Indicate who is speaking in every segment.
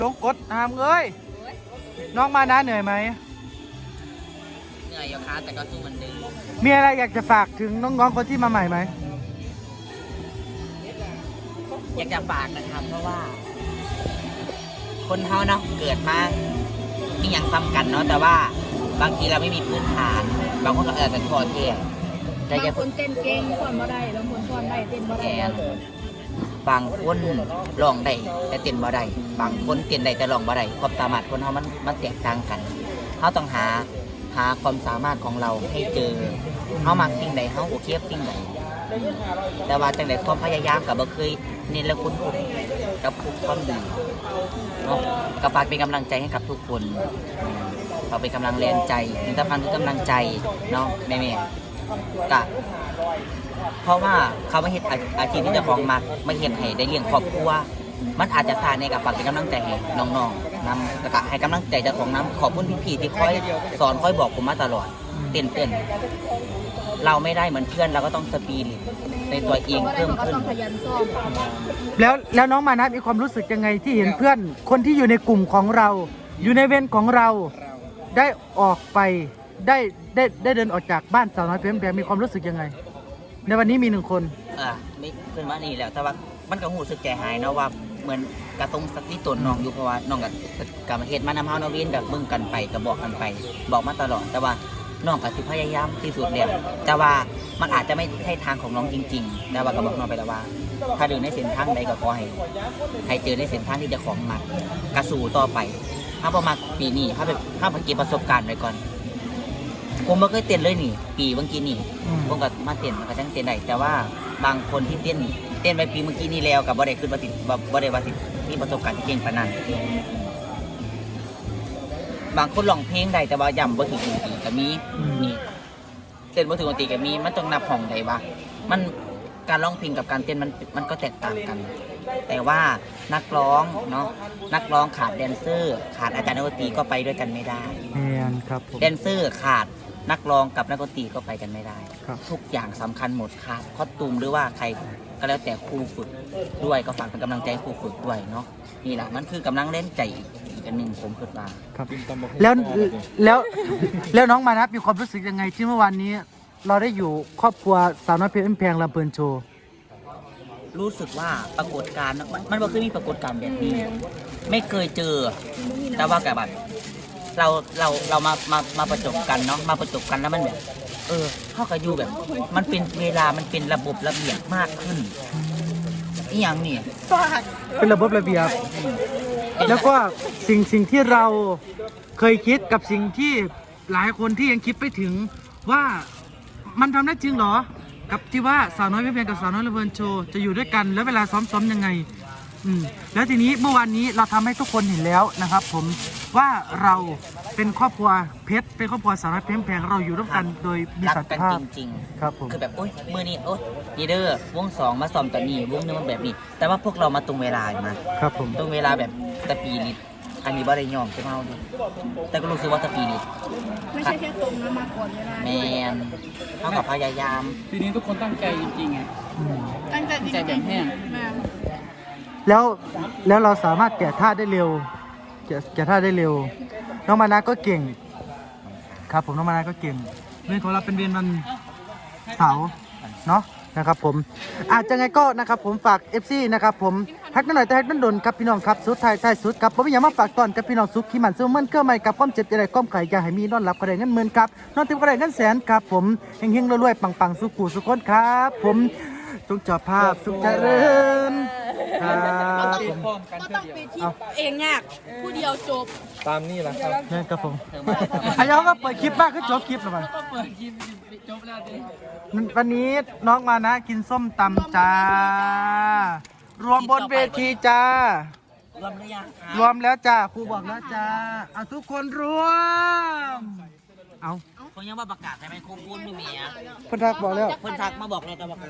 Speaker 1: ลงกดหามเอ้ยน้องมานะเหนื่อยไหม
Speaker 2: เหนื่อยอยู่ค่ะแต่ก็สู้เหมือนเดิม
Speaker 1: มีอะไรอยากจะฝากถึงน้องๆคนที่มาใหม่ไหม
Speaker 2: อยากจะฝากนะครับเพราะว่า คนเฮาเนาะเกิดมามีอย่างซ้ำกันเนาะแต่ว่าบางทีเราไม่มีพื้นฐานบางคนก็อาจจะถอดเที่ย
Speaker 3: บางคนเต้นเก่งฟ้อนบ่ได้บางคนฟ้อนได้เต้นบ่ได้
Speaker 2: บางคนร้องได้แต่เต้นบ่ได้บางคนเต้นได้แต่ร้องบ่ได้ความสามารถคนเฮามันแตกต่างกันเฮาต้องหาความสามารถของเราให้เจอเฮามักสิ่งใดเฮาโอเคสิ่งใดแต่ว่าจังได๋ความพยายามก็บ่เคยเน้นและคุณกับทุกความดีเนาะก็ฝากเป็นกำลังใจให้กับทุกคนฝากเป็นกำลังแรงใจสิ่งสำคัญคือกำลังใจเนาะแม่ๆก็เพราะว่าเขาไม่เห็นอาชีพที่เจ้าของมักไม่เห็นให้ได้เลี้ยงครอบครัวมันอาจจะสาในกับฝากเป็นกำลังใจให้น้องๆนำแล้วก็ให้กำลังใจเจ้าของน้ำขอบคุณพี่ๆที่คอยสอนคอยบอกผมมาตลอดเต้นเราไม่ได้เหมือนเพื่อนเราก็ต้องสปีดในตัวเองเพิ่มขึ้น
Speaker 1: แล้วน้องมานะมีความรู้สึกยังไงที่เห็นเพื่อนคนที่อยู่ในกลุ่มของเราอยู่ในเวรของเราได้ออกไปได้เดินออกจากบ้านสาวน้อยเพียงแพงมีความรู้สึกยังไงในวันนี้มี1 คน
Speaker 2: ไม่เพื่อนว่านี่แหละแต่ว่ามันก็หูสึกใจหายเนาะว่าเหมือนกระทงสติตนน้องอยู่เพราะว่าน้องกับเหตุมานำเฮาเนาะเวียนแบบมึงกันไปก็บอกกันไปบอกมาตลอดแต่ว่าน้องก็สิพยายามที่สุดแล้วแต่ว่ามันอาจจะไม่ใช่ทางของน้องจริงๆแต่ว่าก็บอกน้องไปแล้วว่าถ้าเดินในเส้นทางใดก็ขอให้เจอในเส้นทางที่จะของมักกระสู่ต่อไปถ้าประมาณปีนี้ถ้าเก็บประสบการณ์ไว้ก่อนผมไม่เคยเต้นเลยนี่ปีเมื่อกี้นี่ผมก็มาเต้นมันก็จังเต้นได้แต่ว่าบางคนที่เต้นไปปีเมื่อกี้นี่แล้วกับบ่ได้ขึ้นมาติดบ่ได้ว่าสิมีประสบการณ์ที่เก่งปานนั้นบางคนร้องเพลงได้แต่ว่าย่ำบ่ถึงดนตรีก็มีนี่เต้นบ่ถึงดนตรีก็มีมันต้องนับห้องได้ว่ามันการร้องเพลงกับการเต้นมันก็แตกต่างกันแต่ว่านักร้องเนาะนักร้องขาดแดนเซอร์ขาดอาจารย์ดนตรีก็ไปด้วยกันไม่ได้
Speaker 1: ครับผม
Speaker 2: แดนเซอร์ขาดนักร้องกับนักดนตรีก็ไปกันไม่ได้ทุกอย่างสำคัญหมดขาดคอสตูมหรือว่าใครก็แล้วแต่ครูฝึกด้วยก็ฝากเป็นกำลังใจครูฝึกด้วยเนาะนี่แหละมันคือกำลังเล่นใจอีกอันหนึ่งผมคิดว่า
Speaker 1: ครับแล้วน้องมานะมีความรู้สึกยังไงที่เมื่อวานนี้เราได้อยู่ครอบครัวสาวน้อยเพชรแพงลำเพลินโชว์
Speaker 2: รู้สึกว่าปรากฏการณ์มันไม่เคยมีปรากฏการณ์แบบนี้ไม่เคยเจอแต่ว่ากับเรามาประจบกันเนาะมาประจบกันแล้วมันแบบเข้ากับอยู่แบบมันเป็นเวลามันเป็นระบบระเบียบมากขึ้นอีหยังนี่
Speaker 1: เป็นระบบระเบียบแล้วก็สิ่งที่เราเคยคิดกับสิ่งที่หลายคนที่ยังคิดไปถึงว่ามันทำได้จริงเหรอกับที่ว่าสาวน้อยเพชรกับสาวน้อยลำเพลินโชว์จะอยู่ด้วยกันแล้วเวลาซ้อมยังไงแล้วทีนี้เมื่อวานนี้เราทำให้ทุกคนเห็นแล้วนะครับผมว่าเราเป็นครอบครัวเพชรเป็นครอบครัวสาวน้อยเพชรแพงเราอยู่ร่วมกันโดยมีสันติภาพ
Speaker 2: จริง
Speaker 1: ๆครับผม
Speaker 2: คือแบบโอ๊ยมือนี้โอ๊ยดีเดอร์วง2มาซ้อมตอนนี้วงนึงมันแบบนี้แต่ว่าพวกเรามาตรงเวลามา
Speaker 1: ครับผม
Speaker 2: ตรงเวลาแบบสปีริตอันนี้บ่ได้ยอมใช่ไหมเอาดิแต่ก็รู้สึกว่าสปีริต
Speaker 3: ไม่ใช่แค่ตรงนะมาก่อนเวลา
Speaker 2: แมนเท่ากับพยายาม
Speaker 4: ปีนี้ทุกคนตั้งใจจริงๆไง
Speaker 3: ตั้งใจ
Speaker 4: แบบแห้ง
Speaker 1: แล้วเราสามารถแกะท่าได้เร็วแกะท่าได้เร็วน้องมานะก็เก่งครับผมน้องมานะก็เก่งเรื่องของเราเป็นเวียนวันเสาร์เนาะนะครับผมอาจจะไงก็นะครับผมฝาก FC นะครับผมฮักนั่นหน่อยแต่ฮักนั่นโดนครับพี่น้องครับสุดท้ายสุดครับผมอยากมาฝากตอนกับพี่น้องสุขขี้มันสู้มันเกื้อใหม่กับความเจ็บอะไรก้อมไข่อยากให้มีนอนหลับกระไดเงินหมื่นครับนอนเต็มกระไดเงินแสนครับผมเฮงๆรวยๆปังๆสุขุสุขคนครับผมทุกจอภาพสุขเจริญครับผม
Speaker 3: ก็ต้องไปที่เองยากผู้เดียวจบ
Speaker 4: ตามนี่แหละครับ
Speaker 1: นี่ครับผมอายุก็เปิดคลิปบ้างก็จบคลิปแล้วมัน
Speaker 4: ก็เปิดคลิปจบแล้วดิ
Speaker 1: วันนี้น้องมานะกินส้มตำจ้ารวมบนเวทีจ้ารวมหรือยังรวมแล้วจ้าครูบอกแล้วจ้าเอาทุกคนรวมเอา
Speaker 2: เขายังว่าประกาศใช่ไหมครูพูดไม่มีอ่ะ
Speaker 1: เพิ่นทักบอกแล้ว
Speaker 2: เพิ่นทักมาบอกเราแต่บอกกัน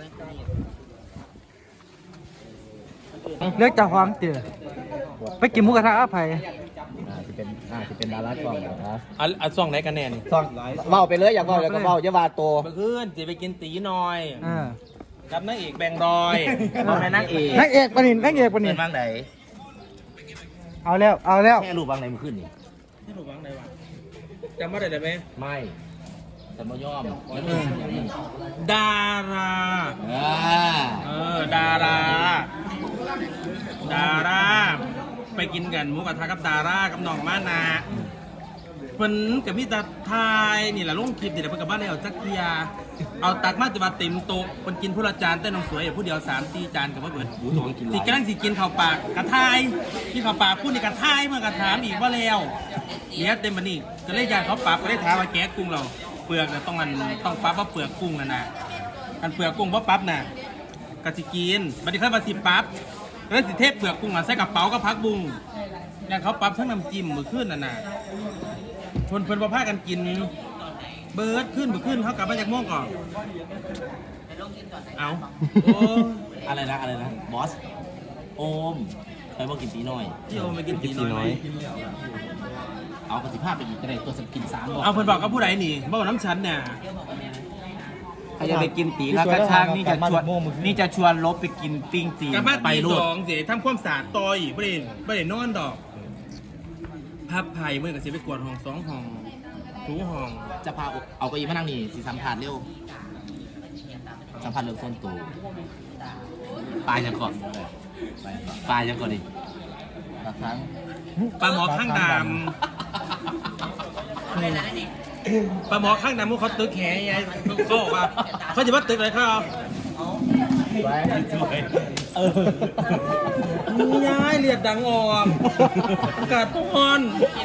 Speaker 1: เลือกจากความเตี๋ยไปกินหมูกระทะอภัย
Speaker 4: จะเป็นดาราช่องนะช่องไหนกันแน่นี่ช่อง
Speaker 5: เมาไปเลยอยากเมาอยากเมาจะวาโต
Speaker 4: เมื่อคืนจะไปกินตีหน่อยกับนางเอกแบงรอย
Speaker 2: บอกในนางเอก
Speaker 1: ปะนิน
Speaker 2: เป็นบ้างไหน
Speaker 1: เอาแล้วเอาแล้ว
Speaker 5: แค่รูปวางไหนมันขึ้นนี่
Speaker 4: ที่หนูวางไหนวะจำไม่ได้ไหม
Speaker 5: ไม่แต่บ่ยอม
Speaker 4: ดารา ดารา ดารา ไปกินกันหมูกระทะกับดารากับน้องมานาเพิ่นกับพี่ตาทายนี่แหละลงคลิปนี่แหละเพิ่นกับบ้านเอาจักเทียเอาตักมาจะมาเต็มโต๊ะเพิ่นกินผู้ละจานแต่น้องสวยผู้เดียว3-4 จานกับว่าเบิดสิกำลังสิกินข้าวปากกระทายกินข้าวปากพูดในกระทายเมื่อกระถามอีกว่าแล้วเนี่ยเต็มบันนี่ก็เลยยานเขาปรับก็เลยถามว่าแก๊สกุ้งเราเปลือกน่ะต้องปรับว่าเปลือกกุ้งนะอันเปลือกกุ้งว่าปั๊บน่ะกะสิกินบัดนี้ค่อยมาสิปั๊บแล้วสิเทพเปลือกกุ้งใส่กระเป๋าก็พักบุ้งอย่างเขาปั๊บทั้งน้ำจิ้มมือขึ้นน่ะเพิ่นบ่พากันกินเบิร์ดขึ้นเขากลับมาจากม่วงก่อนเอาโอ้
Speaker 5: อะไรนะบอสโอมไปบอกกินตีน้อย
Speaker 4: ที่โอมากินตีน้อย
Speaker 5: เอากระสิภาพไปอีกก็ได้ตัวสกิน3บอก
Speaker 4: เอาเพิ่นบอกกับผู้ใดนี่บอกน้ำฉันเนี่ย
Speaker 2: ถ้าจะไปกินตีแล้วก็ช่างนี่จะชวนลบไปกินปิ้งตี
Speaker 4: กลับบ้าน
Speaker 2: ไป
Speaker 4: ตี
Speaker 2: โล
Speaker 4: ส
Speaker 2: ด
Speaker 4: องเสียทำความสะอาดต่ออีกไม่ได้นอนดอกพับไผ่เมื่อกับเสียไปกวาดห้อง2 ห้องถูห้อง
Speaker 5: จะพาเอาเก้าอี้มานั่งนี่สิสัมผัสเร็วสัมผัสเรื่องส้นตัวปลายยังก่อนปลายยังก่อนดิบางครั้ง
Speaker 4: ปลาหมอข้างดำปลาหมอข้างดำพวกเขาตึกแขยายเขาบอกว่าเขาจะว่าตึกอะไรเขายายเลียดดังออกอากาศร้อน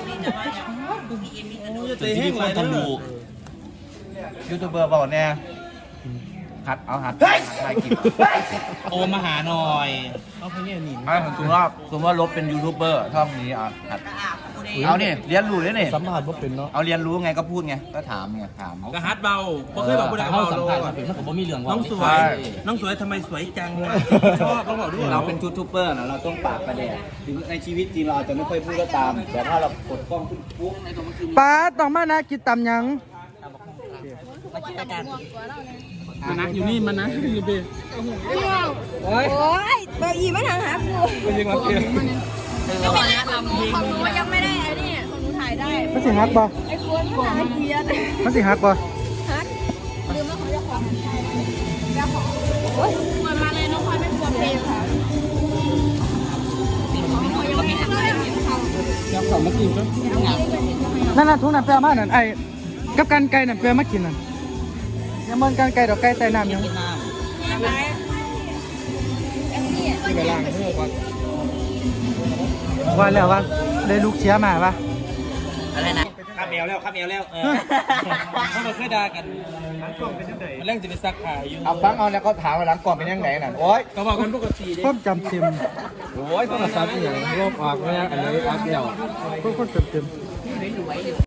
Speaker 4: จะเตะแห้งเลยนะ
Speaker 5: ยูทูบเบอร์บอกแน่หัดถ่ายกิน
Speaker 4: โอมาหาหน่อย
Speaker 5: สมมติว่าลบเป็นยูทูบเบอร์ช่องนี้หัดเอาเนี่ยเรียนรู้เลยเนี่ย
Speaker 1: สัมผัสว่าเป็นเนาะ
Speaker 5: เอาเรียนรู้ไงก็พูดไงก็ถามไงถาม
Speaker 4: กระฮัดเบาเพราะเคยบอกผู้ใดก็เบาโลด
Speaker 5: ผมบ่มีเรื่องว่า
Speaker 4: น้องสวยน้องสวยทำไมสวยจังวะชอบต้องบอกด้วย
Speaker 2: เราเป็นยูทูบเบอร์นะเราต้องปากประเด็นถึงในชีวิตจริงเราอาจจะไม่ค่อยพูดก็ตาม แต่ถ้าเรากดกล้องขึ้นปุ๊บในตัวมันคือ
Speaker 1: ป้าต้องมานะกินตำหยัง
Speaker 4: มันนะอยู่นี่มันนะอยู่เบ
Speaker 3: โอ้ยตัวอีไม่ทางหากูยังไม่ได้ทำของหนูยังไม่ได้ไอ้นี่ของหนูถ่ายได้
Speaker 1: มันสิฮักบ่
Speaker 3: ไอ้ควรมันถ่ายเกียร์
Speaker 1: มันสิฮักบ่
Speaker 3: ฮักลืมแล้วเขาจะขอจะขอโอ้ยควรมาเลยน้องควรไม่ควรเพลงค่ะเขายังไม่ทำอะไรเขา
Speaker 1: นั่นน่ะทุกนั้นแปลมานั่นไอ้กับกันไก่นั่นแปลมากินนั่นยังมันกันไก่ดอกไก่ใต้น้ำยัง
Speaker 3: อะไรที่ไปล้างมือก่อน
Speaker 1: ว่าแล้วว่าได้ลูกเชียมาปะ
Speaker 2: อะไรนะ
Speaker 4: ข้าแมวแล้วเขามาเคยด่ากันมันแรงจะไปซักผ้าอยู่
Speaker 5: เอาฟังเอาแล้วก็ถามว่าหลังก่อนเป็นยังไงน่ะโอ๊ย
Speaker 4: ก็บอกกันปกติดิ
Speaker 1: ความจำเต็ม
Speaker 5: โอ้ยโทรศัพท์อย่างโลกออกแล้วอันนี้อัพเดียว
Speaker 1: ความจำเต็ม